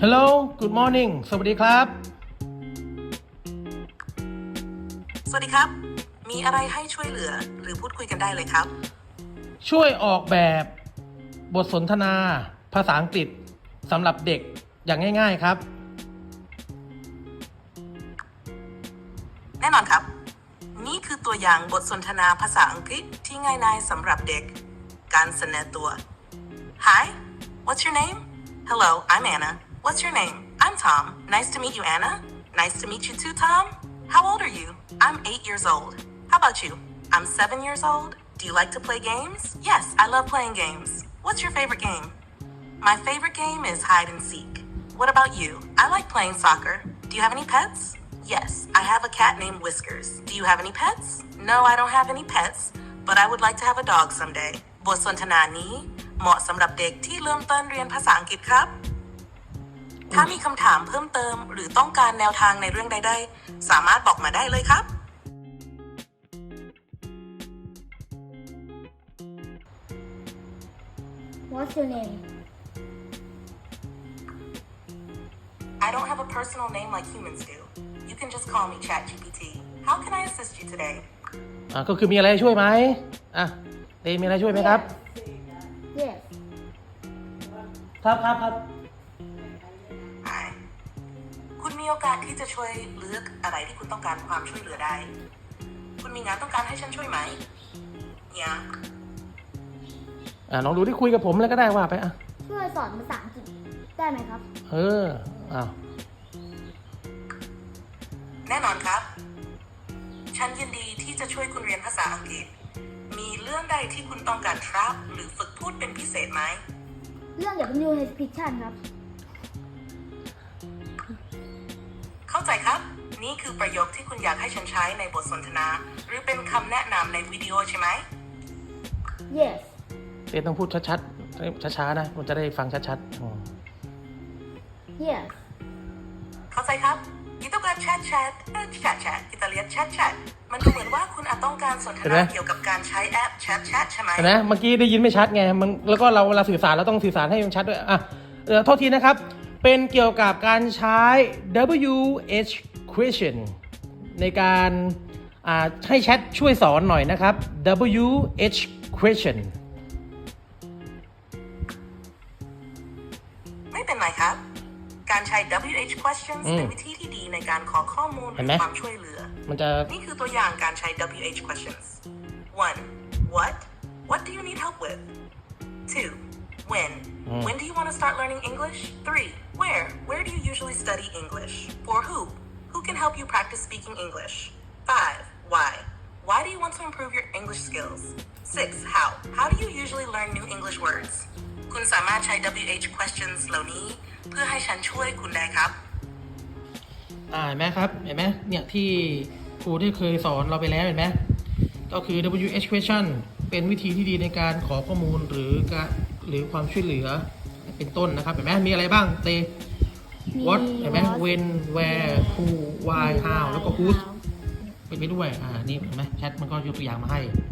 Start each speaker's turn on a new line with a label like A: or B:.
A: Hello Good morning สวัสดีครับ
B: สวัสดีครับ มีอะไรให้ช่วยเหลือหรือพูดคุยกันได้เลยครับ
A: ช่วยออกแบบบทสนทนาภาษาอังกฤษสำหรับเด็กอย่างง่ายๆครับ
B: แน่นอนครับ นี่คือตัวอย่างบทสนทนาภาษาอังกฤษที่ง่ายดายสำหรับเด็ก การเสนอตัว Hi what's your name Hello I'm Anna What's your name I'm Tom Nice to meet you Anna Nice to meet you too Tom How old are you I'm 8 years old How about you I'm 7 years old Do you like to play games Yes I love playing games What's your favorite game My favorite game is hide and seek What about you I like playing soccer Do you have any pets Yes, I have a cat named Whiskers. Do you have any pets? No, I don't have any pets, but I would like to have a dog someday. บทสนทนานี้เหมาะสำหรับเด็กที่เริ่มต้นเรียนภาษาอังกฤษครับ ถ้ามีคำถามเพิ่มเติมหรือต้องการแนวทางในเรื่องใดๆสามารถบอกมาได้เลยครับ
C: What's your name?
B: I don't have a personal name like humans do. You can just call me ChatGPT. How can I assist you today?
A: ก็คือมีอะไรช่วยไหมเดมีอะไรช่วยไหมครับ
C: Yes.
A: ครับ
B: Hi. คุณมีโอกาสที่จะช่วยเลือกอะไรที่คุณต้องการความช่วยเหลือได้ คุณมีงานต้องการให้ฉันช่วยไหมเนี่ย
A: ลองดูที่คุยกับผมแล้วก็ได้ว่าไป
C: ช่วยสอนภาษาอังกฤษได้ไหมครับ
B: แน่นอนครับ ฉันยินดีที่จะช่วยคุณเรียนภาษาอังกฤษ มีเรื่องใดที่คุณต้องการครับหรือฝึกพูดเป็นพิเศษไหม
C: เรื่อง W H Fiction ครับ
B: เข้าใจครับ นี่คือประโยคที่คุณอยากให้ฉันใช้ในบทสนทนา หรือเป็นคำแนะนำในวิดีโอใช่ไหม
C: Yes.
A: เดต้องพูดชัดๆช้าๆนะมันจะได้ฟังชัดๆ
C: Yes.
B: เข้าใจครับ kita bukan chat kita lihat chat มันดูเหมือนว่าคุณอาจต้องการสนทนาเกี่ยวกับการใช้แอป chat ใช่ไหม
A: เห็นไหมเมื่อกี้ได้ยินไม่ชัดไงแล้วก็เราเวลาสื่อสารเราต้องสื่อสารให้มันชัดด้วยโทษทีนะครับเป็นเกี่ยวกับการใช้ WH question ในการให้แชทช่วยสอนหน่อยนะครับ WH question
B: ไม่เป็นไรครับ การใช้ WH questions เป็นวิธีที่ดีในการขอข้อมูลหรือความช่วยเหลือ นี่คือตัวอย่างการใช้ WH questions 1. What do you need help with? 2. When do you want to start learning English? 3. Where do you usually study English? 4. Who can help you practice speaking English? 5. Why do you want to improve your English skills? 6. How do you usually learn new English words? คุณสามารถใช้ WH questions เหล่านี้เพื่อให้ฉันช่วยคุณได้ครับ
A: เห็นไหมครับเห็นไหมเนี่ยที่ครูได้เคยสอนเราไปแล้วเห็นไหมก็คือ WH question เป็นวิธีที่ดีในการขอข้อมูลหรือความช่วยเหลือเป็นต้นนะครับเห็นไหมมีอะไรบ้างเต what เห็นไหม when where who why how แล้วก็ who เป็นไปด้วยนี่เห็นไหมแชทมันก็ยกตัวอย่างมาให้